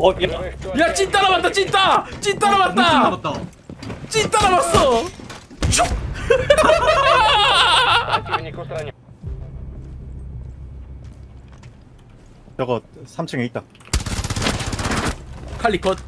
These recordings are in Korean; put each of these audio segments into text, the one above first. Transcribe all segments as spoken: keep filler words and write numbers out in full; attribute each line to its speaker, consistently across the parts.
Speaker 1: 어, 야,
Speaker 2: 야, 찐 따라왔다, 찐따! 찐 따라왔다!
Speaker 3: 남았다.
Speaker 2: 찐 따라왔어! 슉!
Speaker 4: 저거 삼 층에 있다.
Speaker 2: 칼리 컷.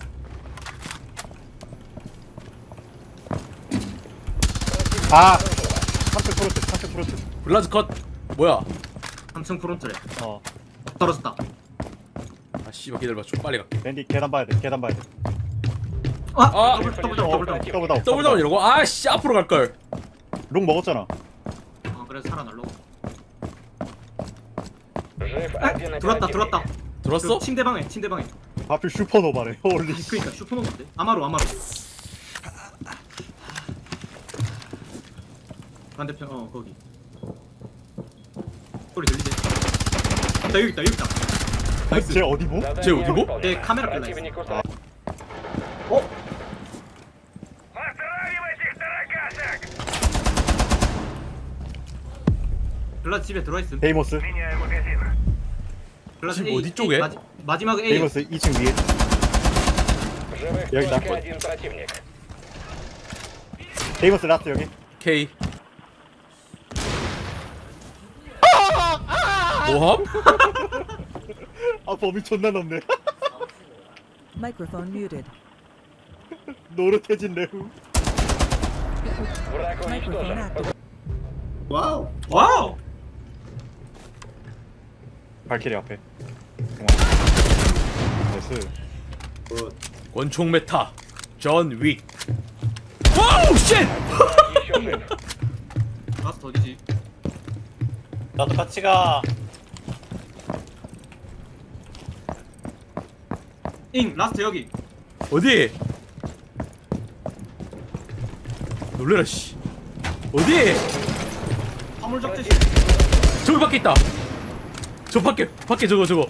Speaker 4: 아! 삼 층 프로트, 삼 층 프로트.
Speaker 2: 블라즈 컷. 뭐야?
Speaker 3: 삼 층 프론트래.
Speaker 4: 어.
Speaker 3: 떨어졌다.
Speaker 2: 아, 씨발, 기다려봐. 좀 빨리 갈게.
Speaker 4: 랜디 계단 봐야 돼, 계단 봐야 돼.
Speaker 3: 아,
Speaker 2: 아!
Speaker 3: 더블 더블 더블 더블 더블.
Speaker 4: 더블 다운.
Speaker 2: 더블 다운 이러고? 아, 씨, 앞으로 갈걸.
Speaker 4: 롱 먹었잖아.
Speaker 3: 아, 그래서 살아날로. 아, 들어왔다, 들어왔다.
Speaker 2: 들었어?
Speaker 3: 그 침대 방에, 침대 방에.
Speaker 4: 하필 슈퍼노바래. 홀리.
Speaker 3: 그러니까 슈퍼노인데. 아마로, 아마로. 반대편, 어 거기. 소리 들리지? 나 여기 있다, 여기 있다. 나이스.
Speaker 4: 쟤 어디 보?
Speaker 2: 쟤 어디고?
Speaker 3: 내 카메라 끌려 있어.
Speaker 4: 어?
Speaker 3: 블라드 집에 들어와 있음.
Speaker 4: 데이모스.
Speaker 3: 블라드
Speaker 2: 집
Speaker 3: A,
Speaker 2: 어디 쪽에?
Speaker 3: A, 마지, 마지막 A.
Speaker 4: 데이모스 이 층 위에. 여기다. 데이모스 라스트 여기.
Speaker 2: K. 뭐함?
Speaker 4: 아 범위 존나 넓네.
Speaker 5: Microphone muted.
Speaker 4: 노릇해진 레후.
Speaker 5: Microphone active.
Speaker 3: 와우. 와우.
Speaker 4: 발키리 앞에. 나이스.
Speaker 2: 권총 메타. 존 윅. 와우, 쉣!
Speaker 3: 라스트 어디지?
Speaker 1: 나도 같이 가.
Speaker 3: 잉, 라스트 여기.
Speaker 2: 어디? 놀래라, 씨. 어디?
Speaker 3: 화물 적재실.
Speaker 2: 저기 밖에 있다. 저 밖에, 밖에 저거, 저거.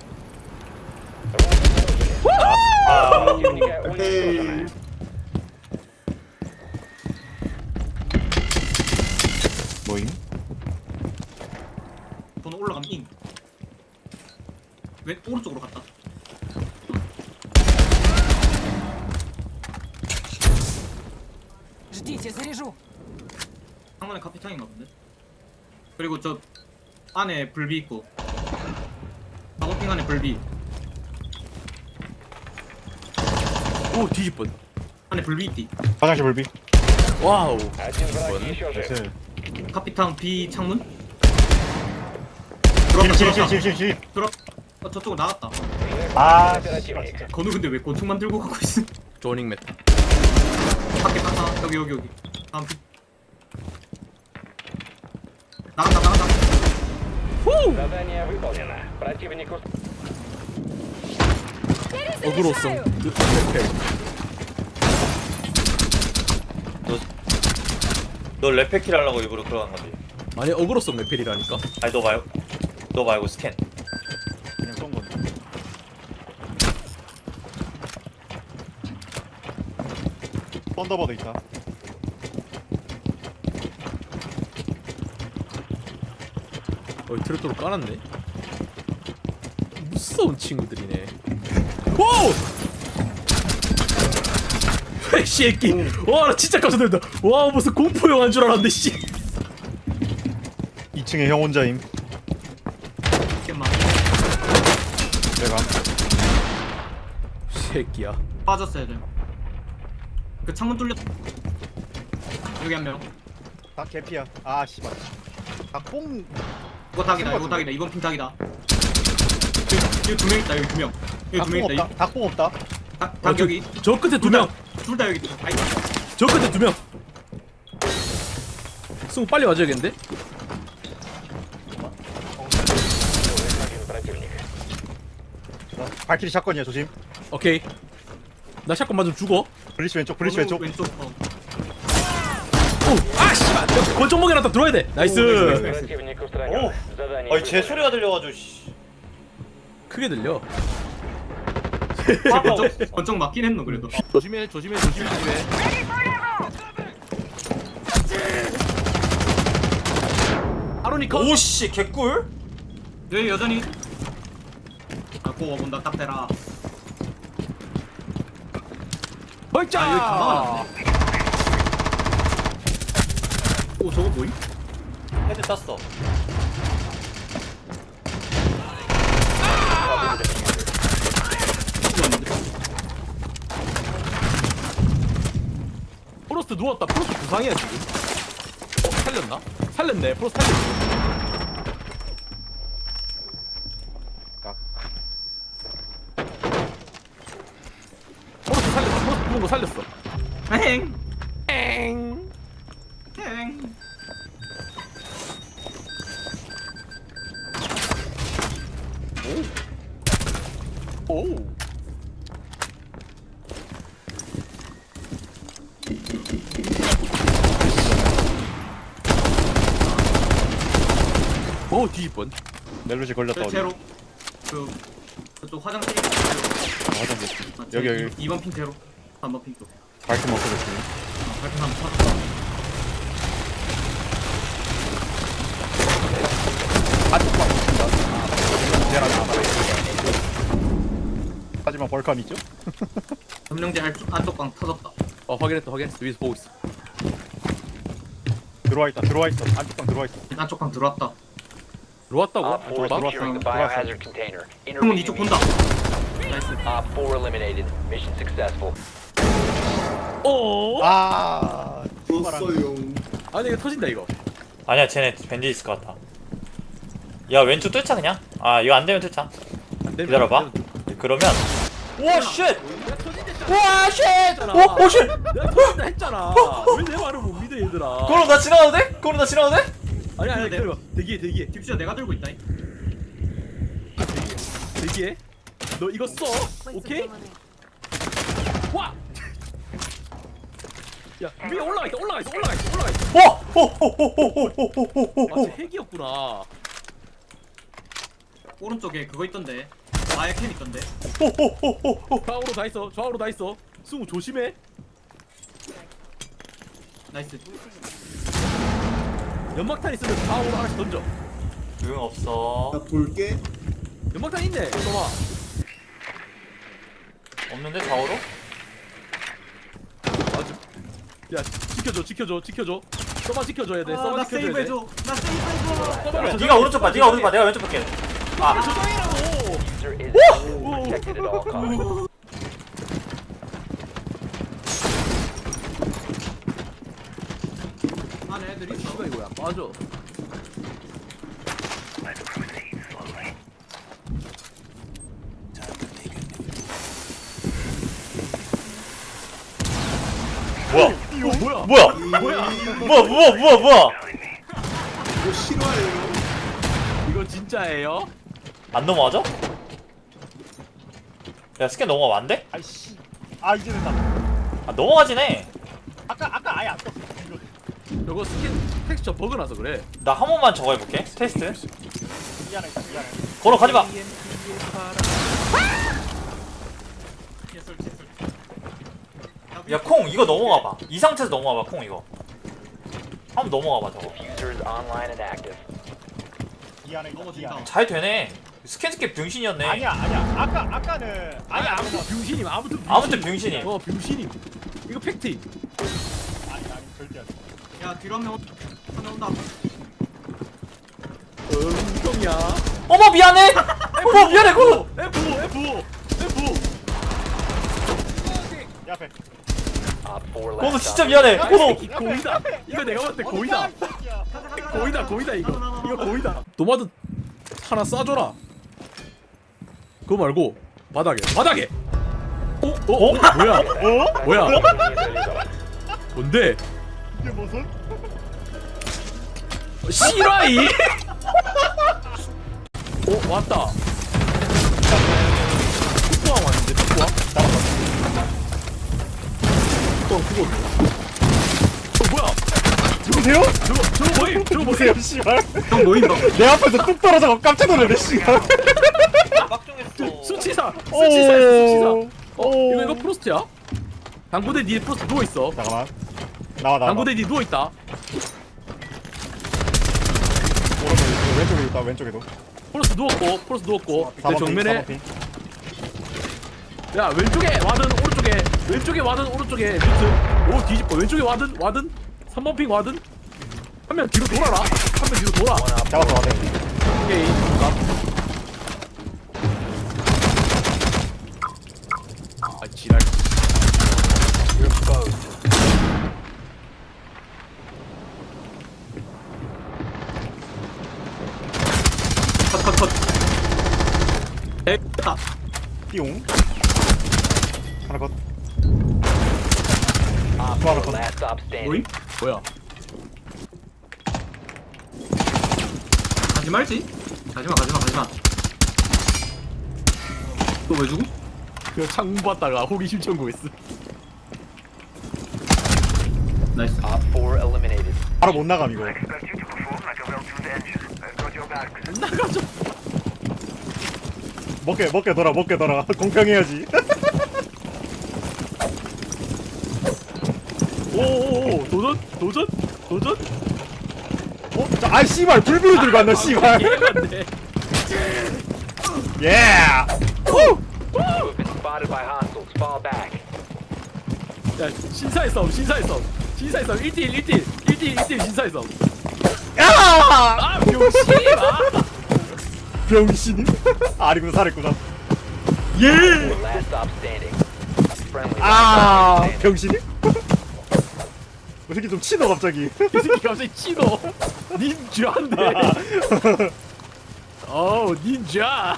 Speaker 4: 뭐임?
Speaker 3: 번호 올라가면 잉. 왼 오른쪽으로 갔다.
Speaker 5: Ждите, заряжу.
Speaker 3: 상단에 카피탕인가 본데. 그리고 저 안에 불비 있고. 작업핑 안에 불비.
Speaker 2: 오, 뒤집번.
Speaker 3: 안에 불비 있디.
Speaker 4: 화장실 불비.
Speaker 2: 와우.
Speaker 4: 나이스.
Speaker 3: 카피탕 B 창문.
Speaker 4: 실,
Speaker 3: 들어왔다,
Speaker 4: 실,
Speaker 3: 들어왔다.
Speaker 4: 실, 실, 실.
Speaker 3: 들어. 어, 저쪽으로 나갔다.
Speaker 4: 아, 씨발 진짜.
Speaker 3: 건우 근데 왜 권총만 들고 가고 있어?
Speaker 2: 조닝 메타.
Speaker 3: 밖에 갔다. 여기 여기 여기. 다음 피. 나간다 나간다.
Speaker 2: 후!
Speaker 6: Задание выполнено. Противнику
Speaker 2: 어그로성.
Speaker 1: 너, 너 레페킬 하려고 일부러 들어간 거지?
Speaker 2: 아니, 어그로성 레펠이라니까.
Speaker 1: 아니 너 말고 너 말고 스캔.
Speaker 4: 그냥 쏜 건데. 썬더버드 있다.
Speaker 2: 어, 트로토로 깔았네. 무서운 친구들이네. 오! 이 새끼. 와, 나 진짜 깜짝 놀랐다. 와, 무슨 공포 영화인 줄 알았는데, 씨.
Speaker 4: 이 층에 형 혼자임.
Speaker 3: 잠깐만.
Speaker 4: 내가.
Speaker 2: 새끼야.
Speaker 3: 빠졌어야 돼. 그 창문 뚫렸. 여기 한 명.
Speaker 4: 다 개피야. 아, 씨발. 다 뽕.
Speaker 3: 이거 닭이다. 이거 닭이다. 이번 핑 닭이다. 여기, 여기 두 명 있다. 여기 두 명. 여기 두 명
Speaker 4: 닭뽕
Speaker 3: 있다.
Speaker 4: 없다. 닭뽕 없다.
Speaker 3: 닭, 닭
Speaker 2: 저,
Speaker 3: 여기.
Speaker 2: 저 끝에 두 명.
Speaker 3: 둘 다 여기 있다. 아이.
Speaker 2: 저 끝에 두 명. 승우 빨리 와줘야겠는데?
Speaker 6: один противник.
Speaker 4: 나 발키리 샷건이야, 조심.
Speaker 2: 오케이. 나 샷건 맞으면 죽어.
Speaker 4: 블리치 왼쪽, 블리치
Speaker 3: 건우
Speaker 4: 왼쪽.
Speaker 3: 왼쪽. 어.
Speaker 2: 오! 아, 씨발! 권총 먹여놨다. 들어야 돼. 나이스.
Speaker 6: Противник устранен.
Speaker 1: 오!
Speaker 6: Задание
Speaker 1: 아니 제
Speaker 6: выполнено.
Speaker 1: 소리가 들려가지고 씨.
Speaker 2: 크게 들려.
Speaker 3: 아, 권총 권총 맞긴 했노 그래도.
Speaker 2: 조심해, 조심해, 조심해, 조심해. 아로니카.
Speaker 1: 오씨 개꿀?
Speaker 3: 왜 여전히. 아, 고거 본다. 딱 대라.
Speaker 2: 벌자.
Speaker 3: 아, 여기 가방은 오 저거 뭐임?
Speaker 1: 헤드 땄어.
Speaker 3: 이거 왔는데?
Speaker 2: 프로스트 누웠다. 프로스트 부상이야 지금. 어 살렸나? 살렸네. 프로스트 살렸어. 프로스트 살렸어. 프로스트 부은 거 살렸어.
Speaker 3: 행!
Speaker 2: 엥.
Speaker 3: 행!
Speaker 2: 오. 오 뒤집번.
Speaker 4: 멜로지 걸렸다
Speaker 3: 저
Speaker 4: 어디?
Speaker 3: 제로 그 그쪽 화장실 제로
Speaker 4: 아, 화장실.
Speaker 3: 아,
Speaker 4: 여기,
Speaker 3: 제
Speaker 4: 여기.
Speaker 3: 이 번 핑 제로 삼 번 핑 쪽.
Speaker 4: 발품 없어졌지.
Speaker 3: 아, 발표 한번 찾았다.
Speaker 4: 하지만 벌칸 있죠?
Speaker 3: 점령제 안쪽 안쪽 방 터졌다.
Speaker 2: 어 확인했다 확인했어. 위에서 보고 있어.
Speaker 4: 들어와 있다. 들어와 있어. 안쪽방 들어와 있어.
Speaker 3: 안쪽 방 들어왔다.
Speaker 2: 들어왔다고?
Speaker 6: Op four
Speaker 2: 들어왔다?
Speaker 6: securing the
Speaker 4: 들어왔어.
Speaker 6: biohazard container.
Speaker 3: 형은 이쪽 본다. 나이스.
Speaker 6: Op four eliminated. Mission successful.
Speaker 2: 어?
Speaker 4: 아.
Speaker 2: 아니 이거 터진다 이거.
Speaker 1: 아니야 쟤네 밴디 있을 것 같다. 야 왼쪽 뚫자 그냥. 아 이거 안 되면 뚫자.
Speaker 2: 안 되면
Speaker 1: 기다려봐.
Speaker 2: 안 되면
Speaker 1: 그러면 와 쉣!
Speaker 2: 내가 터진댔잖아.
Speaker 1: 와 쉣!
Speaker 2: 했잖아.
Speaker 1: 오! 오 쉣!
Speaker 2: 내가 터진다 했잖아. 왜 내 말을 못 믿어 얘들아.
Speaker 1: 그럼 나 지나가도 돼? 그럼 나 지나가도 돼?
Speaker 2: 아니 아니 기다려봐. 대기해 대기해
Speaker 3: 딥시야 내가 들고 있다.
Speaker 2: 대기해. 너 이거 써. 오케이? 와. 야 위에 올라가 있다 올라가 있어 올라가 있어 올라가 있어.
Speaker 1: 와! 호호호호호호호호호.
Speaker 2: 아, 쟤 핵이었구나.
Speaker 3: 오른쪽에 그거 있던데. 마약 캠 있던데.
Speaker 2: 좌우로 다 있어. 좌우로 다 있어. 승우 조심해.
Speaker 3: 나이스.
Speaker 2: 연막탄 있으면 좌우로 하나씩 던져.
Speaker 1: 응 없어.
Speaker 7: 볼게.
Speaker 2: 연막탄 있네. 봐봐.
Speaker 1: 없는데 좌우로?
Speaker 2: 맞아. 야 지켜줘 지켜줘 지켜줘. 써만 지켜줘야 돼.
Speaker 3: 아,
Speaker 2: 써만
Speaker 3: 나
Speaker 2: 지켜줘야 돼.
Speaker 3: 세이브해줘. 나 세이브해줘.
Speaker 2: 써만
Speaker 1: 그래, 네가 오른쪽 봐. 네가 오른쪽 봐. 내가 왼쪽 볼게. 아
Speaker 2: 조정이라고.
Speaker 6: User is protected at all costs.
Speaker 3: 안에 애들 있어.
Speaker 2: 이거 이거야. 맞아.
Speaker 1: 뭐야?
Speaker 2: 이거 뭐야?
Speaker 1: 뭐야?
Speaker 2: 뭐야?
Speaker 1: 뭐야 뭐야 뭐야 뭐야?
Speaker 7: 이거 싫어해요.
Speaker 2: 이거 진짜예요?
Speaker 1: 안 넘어가죠? 야 스캔 넘어가면 안 돼?
Speaker 4: 아이씨. 아 이제 된다.
Speaker 1: 아 넘어가지네.
Speaker 4: 아까 아까 아예 안 떴어. 이거.
Speaker 2: 저거 스킨 텍스처 버그 나서 그래.
Speaker 1: 나 한 번만 저거 해볼게. 테스트.
Speaker 4: 미안해 미안해.
Speaker 1: 걸어 가지 마.
Speaker 3: 개설 개설.
Speaker 1: 야 콩 이거 넘어가 봐. 이 상태에서 넘어가 봐 콩 이거. 한번 넘어가 봐 저거.
Speaker 6: Diffuser is online and active.
Speaker 4: 미안해
Speaker 3: 넘어진다.
Speaker 4: 미안해.
Speaker 1: 잘 되네. 스캔스캡 병신이었네.
Speaker 4: 아니야 아니야. 아까 아까는
Speaker 2: 아니
Speaker 4: 아예 안
Speaker 2: 아무튼
Speaker 4: 떴어.
Speaker 2: 병신임. 아무튼 병신임.
Speaker 1: 아무튼 병신임.
Speaker 2: 어 병신임. 이거 팩트임.
Speaker 4: 아니 아니 절대 안 돼.
Speaker 3: 야 뒤로 한명 온다.
Speaker 2: 응병이야.
Speaker 1: 어머 미안해. 어머 미안해 콩.
Speaker 2: F F F.
Speaker 4: 내 앞에.
Speaker 6: Op four
Speaker 1: 콩
Speaker 6: last
Speaker 1: 진짜
Speaker 6: op.
Speaker 1: 미안해.
Speaker 2: 야, 이
Speaker 1: 콩.
Speaker 2: 새끼 고이다. 이거 내가 봤을 때 고이다.
Speaker 4: 이 새끼야.
Speaker 2: 고이다 고이다 이거. 이거 고이다. 도마드 하나 쏴줘라. 그거 말고 바닥에 바닥에. 어? 어? 어? 뭐야?
Speaker 4: 어?
Speaker 2: 뭐야? 뭔데?
Speaker 4: 이게 무슨?
Speaker 2: 시라이? 어 왔다. 북부왕 왔는데 북부왕? 어 그거. 어 뭐야?
Speaker 4: 누구세요?
Speaker 2: 저거 저거 뭐임? 저거 뭐세요?
Speaker 4: 누구세요 씨발?
Speaker 3: 형 모인다.
Speaker 4: 내 앞에서 뚝 떨어져서 깜짝 놀랐네 씨발.
Speaker 1: 빡종했어.
Speaker 2: 수치사 수치사야 수치사. 어
Speaker 4: 오.
Speaker 2: 이거 이거 프로스트야? 당구대 니 프로스트 누워 있어.
Speaker 4: 잠깐만. 나와 나와.
Speaker 2: 당구대 니 누워 있다.
Speaker 4: 오른쪽에 왼쪽에 있다 왼쪽에도.
Speaker 2: 프로스트 누웠고 프로스트 누웠고 내
Speaker 4: 사 번 핑, 사
Speaker 2: 정면에
Speaker 4: 번 핑.
Speaker 2: 야 왼쪽에 와든 오른쪽에 왼쪽에 와든 오른쪽에 뮤트. 오 뒤집어. 왼쪽에 와든 와든 삼 번 핑 와든. 한 명 뒤로 돌아라. 한 명 뒤로 돌아.
Speaker 6: One op
Speaker 4: 잡았어 와대.
Speaker 2: 오케이. 아 지랄.
Speaker 6: you're exposed.
Speaker 3: 컷컷컷 됐다
Speaker 4: 띠용. 하나 컷.
Speaker 6: Op
Speaker 4: Bottom.
Speaker 6: four last stop standing.
Speaker 3: 뭐임?
Speaker 2: 뭐야?
Speaker 3: 가지 말지 가지마 가지마 가지마 또 왜 죽음?
Speaker 2: 그 창문 봤다가 호기심 천국했어.
Speaker 3: 나이스
Speaker 6: Op four eliminated.
Speaker 4: 바로 못 나감 이거.
Speaker 2: 나가죠.
Speaker 4: 먹게 먹게 돌아 먹게 돌아. 공평해야지.
Speaker 2: 오오오 도전 도전 도전.
Speaker 4: 어? 자, 아 씨발 불비를 들고 왔나 씨발.
Speaker 2: 예반데.
Speaker 4: 예. 후!
Speaker 6: You have been spotted by hostiles. Fall back.
Speaker 2: 야 신사의 싸움 신사의 싸움 신사의 싸움 일 대 일 일 대 일 일 대 일 일 대 일 신사의 싸움.
Speaker 4: 야!
Speaker 2: 아 병신이 아.
Speaker 4: 병신이? 아니구나 살았구나.
Speaker 6: Four last stop standing. Friendly last
Speaker 4: 아
Speaker 6: stop standing.
Speaker 4: 병신이? 이 새끼 좀 치노 갑자기.
Speaker 2: 이 새끼 갑자기 치노 닌자인데. 어우 닌자.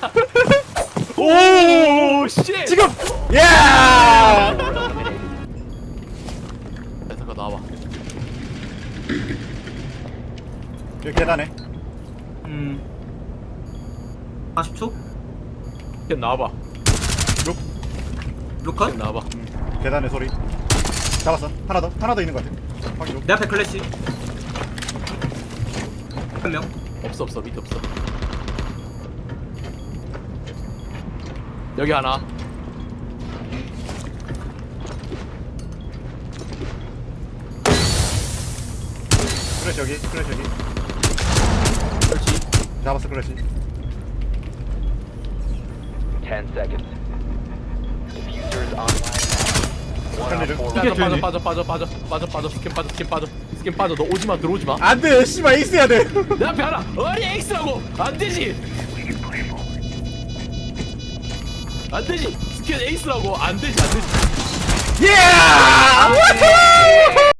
Speaker 2: 오 씨.
Speaker 4: 지금 예!
Speaker 2: 야, 잠깐 나와봐.
Speaker 4: 여기 계단에.
Speaker 3: 음 사십 초?
Speaker 2: 걘 나와봐.
Speaker 3: 로컷?
Speaker 2: 걘 나와봐.
Speaker 4: 계단에 소리. 잡았어. 하나 더. 하나 더 있는 것 같아. 확인.
Speaker 3: 내 앞에 클래시 한명
Speaker 2: 없어 없어 밑에 없어. 여기 하나.
Speaker 4: 클래시 여기. 클래시 여기.
Speaker 2: 그렇지.
Speaker 4: 잡았어 클래시.
Speaker 6: Ten seconds. Diffuser is online now. One
Speaker 4: Can't
Speaker 6: op
Speaker 4: do.
Speaker 6: four
Speaker 3: 이게
Speaker 2: 빠져
Speaker 3: 되지.
Speaker 2: 빠져 빠져 빠져 빠져 빠져 스캔 빠져 스캔 빠져 스캔 빠져. 너 오지마 들어오지마.
Speaker 4: 안돼 씨발 있어야 돼.
Speaker 2: 내 앞에 하나. 어리 X라고 안 되지. 안 되지. 스캔 에이스라고 안 되지 안 되지.
Speaker 4: 예!